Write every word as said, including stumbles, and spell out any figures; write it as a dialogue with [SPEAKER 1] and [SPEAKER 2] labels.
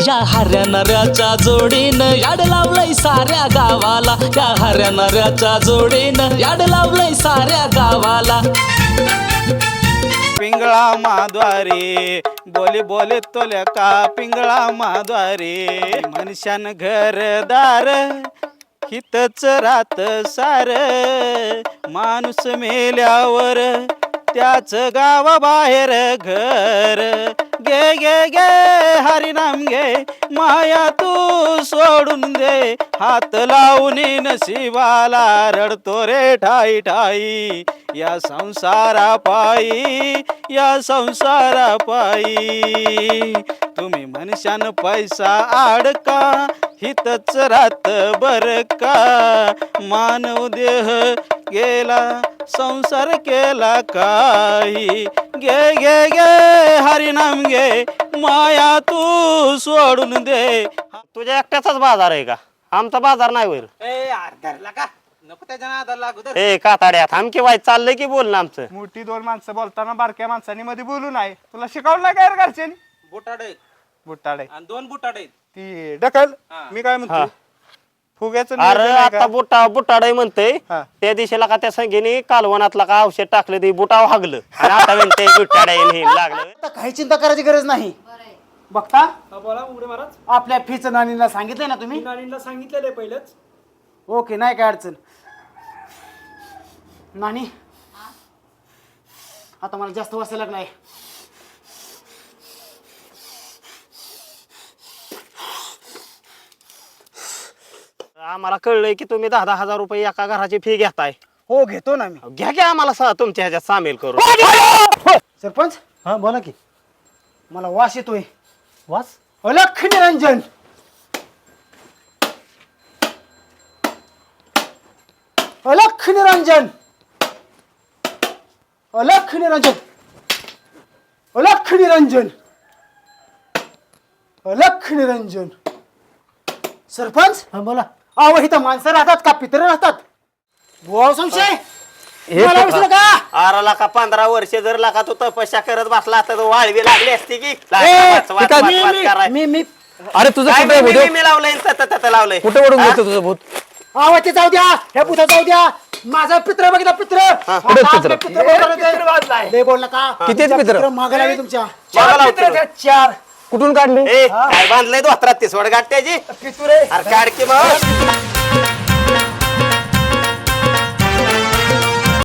[SPEAKER 1] या हऱ्या नऱ्याच्या जोडीनं याड लावलंय साऱ्या गावाला, या हऱ्या नऱ्याच्या जोडीनं याड लावलंय साऱ्या गावाला.
[SPEAKER 2] पिंगळा माद्वारे बोले बोले तोल्या का पिंगळा माद्वारे मनुष्यान घरदार हितच रात सार माणूस मेल्यावर त्याच गावा बाहेर घर गे गे गे हरिनाम गे माया तू सोडून दे हात लावून नशिबाला रडतो रे ठाई ठाई या संसारा पायी या संसारा पायी तुम्ही मनुष्यान पैसा आडका हितच रात बर का मानव देह गेला संसार केला काही गे गे गे हरिनाम गे माया तू सोडून दे.
[SPEAKER 3] तुझ्या एकट्याचाच बाजार आहे का? आमचा बाजार नाही वर. ए काताड्या थांब की वाईट चाललंय की बोल ना आमचं.
[SPEAKER 4] मोठी दोन माणसं बोलताना बारक्या माणसांनी मध्ये बोलू नाही. तुला शिकवलं नाही काय रे घरच्यांनी?
[SPEAKER 2] बुटाडे
[SPEAKER 4] बुटाडे
[SPEAKER 2] आणि दोन बुटाडे
[SPEAKER 4] ती ढकल. मी काय म्हणतो फुग्याचं
[SPEAKER 3] अरे
[SPEAKER 4] नियोजन आहे का?
[SPEAKER 3] आता बुटा बुटाडे म्हणतोय
[SPEAKER 4] हा.
[SPEAKER 3] त्या दिवशीला का त्या संगीने कालवनातला का औषध टाकलं ते बुटाव हागलं आणि आता म्हणते बुटाडे लागलं.
[SPEAKER 5] आता काही चिंता करायची गरज नाही. बघता
[SPEAKER 6] बोला उमरे महाराज.
[SPEAKER 5] आपल्या फीच नानीला सांगितलंय ना तुम्ही?
[SPEAKER 6] नानींना सांगितलेलं आहे पहिलंच.
[SPEAKER 5] ओके नाही काय अडचण. नानी आता मला जास्त वाचायला लागलाय.
[SPEAKER 3] आम्हाला कळलंय की तुम्ही दहा दहा हजार रुपये एका घराची फी घेताय.
[SPEAKER 5] हो घेतो ना मी.
[SPEAKER 3] घ्या की आम्हाला स- तुमच्या ह्याच्यात सामील करू.
[SPEAKER 5] सरपंच
[SPEAKER 6] हा बोला की.
[SPEAKER 5] मला वास येतोय.
[SPEAKER 6] वास
[SPEAKER 5] अलख निरंजन. अलख निरंजन. अलख निरंजन. अलख निरंजन. अलख निरंजन. सरपंच
[SPEAKER 6] हा बोला.
[SPEAKER 5] अहो इथं माणसं राहतात का पित्र राहतात? भाऊ संशय मला विसरू का?
[SPEAKER 3] अरे लाका पंधरा वर्ष जर लाका तू तपस्या करत बसला तर वाळवी लागली असती की.
[SPEAKER 5] ए,
[SPEAKER 3] वाच, वाच, वाच,
[SPEAKER 5] मी-
[SPEAKER 3] वाच
[SPEAKER 5] मी-
[SPEAKER 3] कराय.
[SPEAKER 5] मी मी
[SPEAKER 6] अरे तुझं
[SPEAKER 3] काय
[SPEAKER 6] कुठे
[SPEAKER 3] मी-
[SPEAKER 6] भूत?
[SPEAKER 3] मी- मी लावलंय तत तत लावलंय.
[SPEAKER 6] कुठे ओढून घेतो तुझं भूत?
[SPEAKER 5] आवा ते जाऊ द्या. हे पुढे जाऊ द्या. माझा पित्र बघितला पित्र.
[SPEAKER 6] कुठे
[SPEAKER 5] आता
[SPEAKER 6] पित्र?
[SPEAKER 5] आपले बोलवले. लय बोल नका.
[SPEAKER 6] कितीच पित्र?
[SPEAKER 5] मागे लावी तुमच्या
[SPEAKER 3] मागं लावतो.
[SPEAKER 5] चार
[SPEAKER 6] कुठून काढली?
[SPEAKER 3] ए काय बांधलंय धोत्रात ती सोड गाठ त्याची.
[SPEAKER 5] पितुरे
[SPEAKER 3] अरे काढ की मग.